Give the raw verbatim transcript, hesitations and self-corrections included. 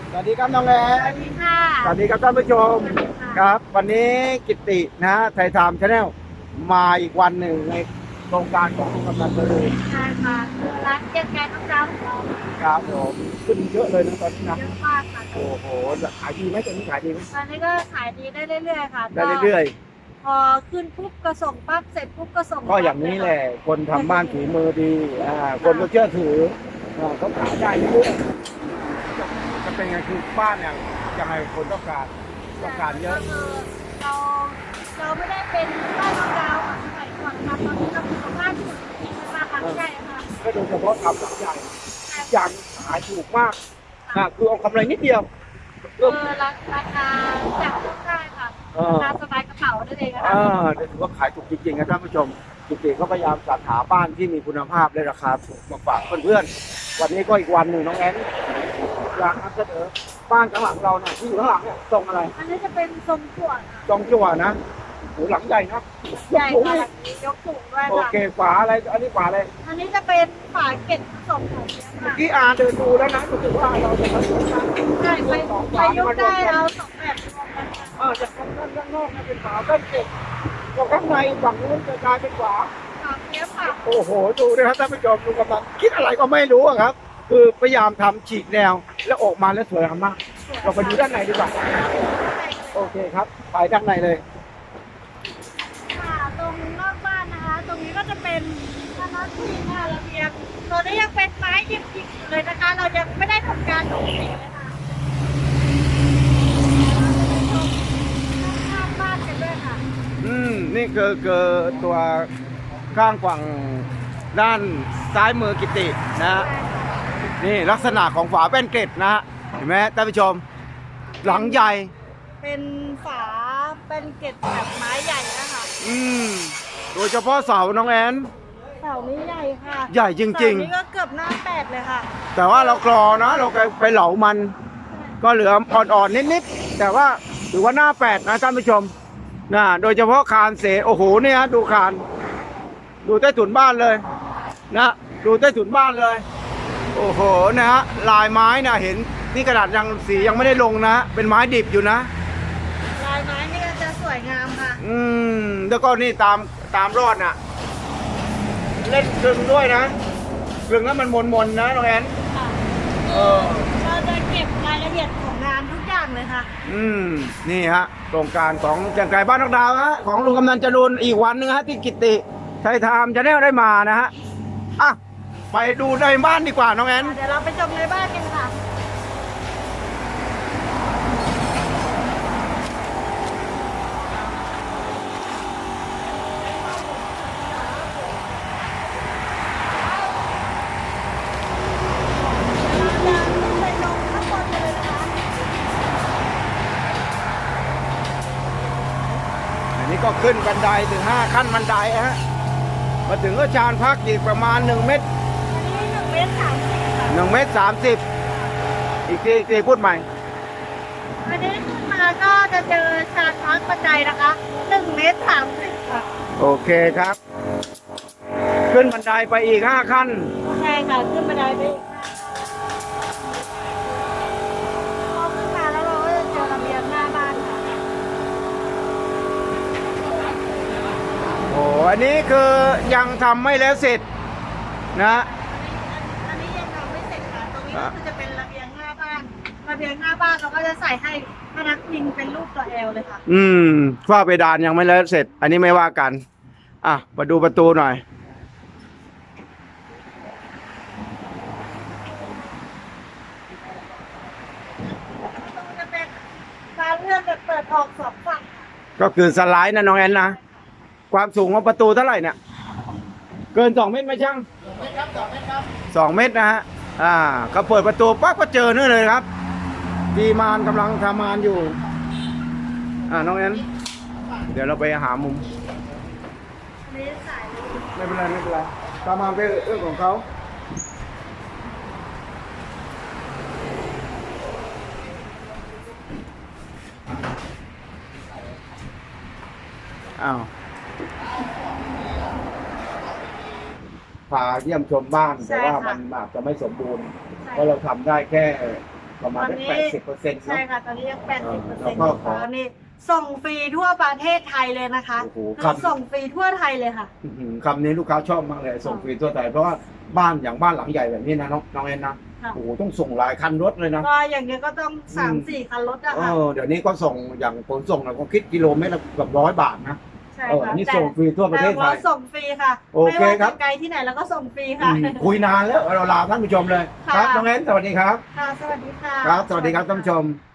สวัสดีครับน้องแอสวันสดีค่ะสวัสดีครับท่านผู้ชมครับ วันนี้กิตตินะไทยไทม์ชาแนลมาอีกวันหนึ่งในโครงการของกำนันตรีใช่ค่ะคือร้านเจ๊แกงน้ำเจ้าของเราครับผมขึ้นเยอะเลยนะตอนนี้นะเยอะมากค่ะโอ้โหขายดีไหมตอนนี้ขายดีไหมตอนนี้ก็ขายดีได้เรื่อยๆค่ะได้เรื่อยพอขึ้นปุ๊บก็ส่งปั๊บเสร็จปุ๊บก็ส่งๆก็อย่างนี้แหละคนทำบ้านถือมือดีอ่าคนก็เชื่อถืออ่าเขาขายได้เรื่อยๆจะเป็นไงคือบ้านเนี่ยยังไงคนต้องการต้องการเยอะก็คือเราเราไม่ได้เป็นบ้านของเราค่ะสมัยก่อนค่ะตอนนี้เราเป็นบ้านที่มีราคาใหญ่ค่ะก็โดยเฉพาะทำหลังใหญ่อย่างขายถูกมากอ่าคือเอากำไรนิดเดียวเออราราคาจับต้องได้ค่ะราคาสบายกระเป๋าได้เลยนะอ่าคะถือว่าขายถูกจริงๆนะท่านผู้ชมจริงๆเขาพยายามจัดหาบ้านที่มีคุณภาพและราคาถูกมาฝากเพื่อนๆวันนี้ก็อีกวันหนึ่งน้องแอนอยากนำเสนอบ้านข้างหลังเราเนี่ยที่อยู่ข้างหลังเนี่ยทรงอะไรอันนี้จะเป็นทรงขวดค่ะทรงจั่วนะโหหลังใหญ่นะยใหญ่กสูงค่ะนี่ยกสูงด้วยโอค่ะเคฝาอะไรอันนี้ฝาอะไรอันนี้จะเป็นฝาเก็บผสมของเนี้ยค่ะที่อาเดินดูแล้วนะรู้สึกว่าเราจะผสมกันใช่ไปสองไปฝายุมาก รวได้มกันเอาสองแบบรวมกันค่ะเออจากข้างด้านข้างนอกนะเป็นฝาด้านเก็บจากข้างในฝั่งนู้นจะกลายเป็นฝาฝาเนี้ยค่ะโอ้โหดูนะครับท่านผู้ชมดูกำลังคิดอะไรก็ไม่รู้อะครับ คือพยายามทำฉีกแนวแล้วออกมาแล้วสวยงามมากเราไปดูด้านในดีกว่าโอเคครับไปด้านในเลยค่ะตรงนอกบ้านนะคะ ตรงนี้ก็จะเป็นคณะที่หน้าระเบียงตัวนี้ยังเป็นไม้ยิบยิบอยู่เลยนะคะ เรายังไม่ได้ทำการตกแต่งเลยค่ะข้างบ้านกันด้วยค่ะอืมนี่คือคือตัวข้างฝั่งด้านซ้ายมือกิตินะฮะนี่ลักษณะของฝาเป็นเกล็ดนะฮะเห็นไหมท่านผู้ชม หลังใหญ่เป็นฝาเป็นเกล็ดแบบไม้ใหญ่นะคะอืมโดยเฉพาะเสาน้องแอนเสานี้ใหญ่ค่ะใหญ่จริงๆเสานี้ก็เกือบหน้าแปดเลยค่ะแต่ว่าเรากรอนะเราไปเหลามัน ก็เหลืออ่อนๆนิดๆแต่ว่าถือว่าหน้าแปดนะท่านผู้ชมนะโดยเฉพาะคานเสโอ้โหเนี่ยฮะดูคาน ดูใต้ถุนบ้านเลยนะดูใต้ถุนบ้านเลย โอ้โหนะฮะลายไม้นะเห็นนี่กระดาษยังสียังไม่ได้ลงนะ เป็นไม้ดิบอยู่นะลายไม้นี่ก็จะสวยงามค่ะอืมแล้วก็นี่ตามตามรอดน่ะ เล่นกลึงด้วยนะกลึงแล้วมันมนๆนะน้องแอนค่ะเออเราจะเก็บรายละเอียดของงานทุกอย่างเลยค่ะอืมนี่ฮะโครงการของจังไก่บ้านนกดาวฮะของลุงกำนันจรูนอีกวันหนึงฮะที่กิตติไทยไทม์จะได้ได้มานะฮะอ่ะไปดูในบ้านดีกว่าน้องแอนเดี๋ยวเราไปชมในบ้านกันค่ะ เราจะขึ้นไปลงข้างบนกันเลยนะคะอันนี้ก็ขึ้นบันไดถึงห้าขั้นบันไดฮะมาถึงก็ชานพักอีกประมาณหนึ่งเมตรอันนี้หนึ่งเมตรสามสิบค่ะหนึ่งเมตรสามสิบอีกทีอีกทีพูดใหม่อันนี้ขึ้นมาก็จะเจอชานพักบันไดนะคะหนึ่งเมตรสามสิบค่ะโอเคครับ ขึ้นบันไดไปอีกห้าขั้นใช่ค่ะขึ้นบันไดไปอีกพอขึ้นมาแล้วเราก็จะเจอระเบียงหน้าบ้านค่ะโอ้อันนี้คือยังทำไม่แล้วเสร็จนะอันนี้ยังทำไม่เสร็จค่ะ ตรงนี้ก็คือจะเป็นระเบียงหน้าบ้าน ระเบียงหน้าบ้านเราก็จะใส่ให้พนักพิงเป็นรูปตัวแอลเลยค่ะอืมฝ้าเพดานยังไม่แล้วเสร็จ อันนี้ไม่ว่ากัน อ่ะ มาดูประตูหน่อยตรงจะเป็นการเลื่อนแบบเปิดออกสองฝั่งก็คือสไลด์นะน้องแอนนะ ความสูงของประตูเท่าไหร่เนี่ย เกินสองเมตรไหมช่างสองเมตรนะฮะ อ่าก็เปิดประตูปั๊บก็เจอนี่เลยครับ ดีมานกำลังทำงานอยู่ อ่าน้องแอน เดี๋ยวเราไปหามุมอันนี้สายเลยไม่เป็นไรไม่เป็นไรตามมาเป็นเรื่องของเขาอ้าวพาเยี่ยมชมบ้านแต่ว่ามันอาจจะไม่สมบูรณ์เพราะเราทำได้แค่ประมาณตอนนี้แปดสิบเปอร์เซ็นต์ใช่ค่ะ ตอนนี้ยังแปดสิบเปอร์แล้เซ็นวต์ก็อยู่ขอค่ะนี่ส่งฟรีทั่วประเทศไทยเลยนะคะโอ้โหคือครับส่งฟรีทั่วไทยเลยค่ะอื้อหือคำนี้ลูกค้าชอบมากเลยส่งฟรีทั่วไทยเพราะว่าบ้านอย่างบ้านหลังใหญ่แบบนี้นะน้องน้องเอ็นนะค่ะโอ้โหต้องส่งหลายคันรถเลยนะก็อย่างเงี้ยก็ต้องสามสี่คันรถอะเอค่ะอเดี๋ยวนี้ก็ส่งอย่างขนส่งเราก็คิดกิโลเมตรละเกือบร้อยบาทนะใช่เออค่ะอันนี้แต่ส่งฟรีทั่วประเทศไทแต่ยว่าส่งฟรีค่ะโอไม่เคว่าครัจะบไกลที่ไหนแล้วก็ส่งฟรีอืค่ะมคุยนานแล้วเราลาท่านผู้ชมเลยค่ะครับน้องเอ็นสวัสดีครับค่ะ สวัสดีค่ะครับ สวัสดีครับท่านผู้ชม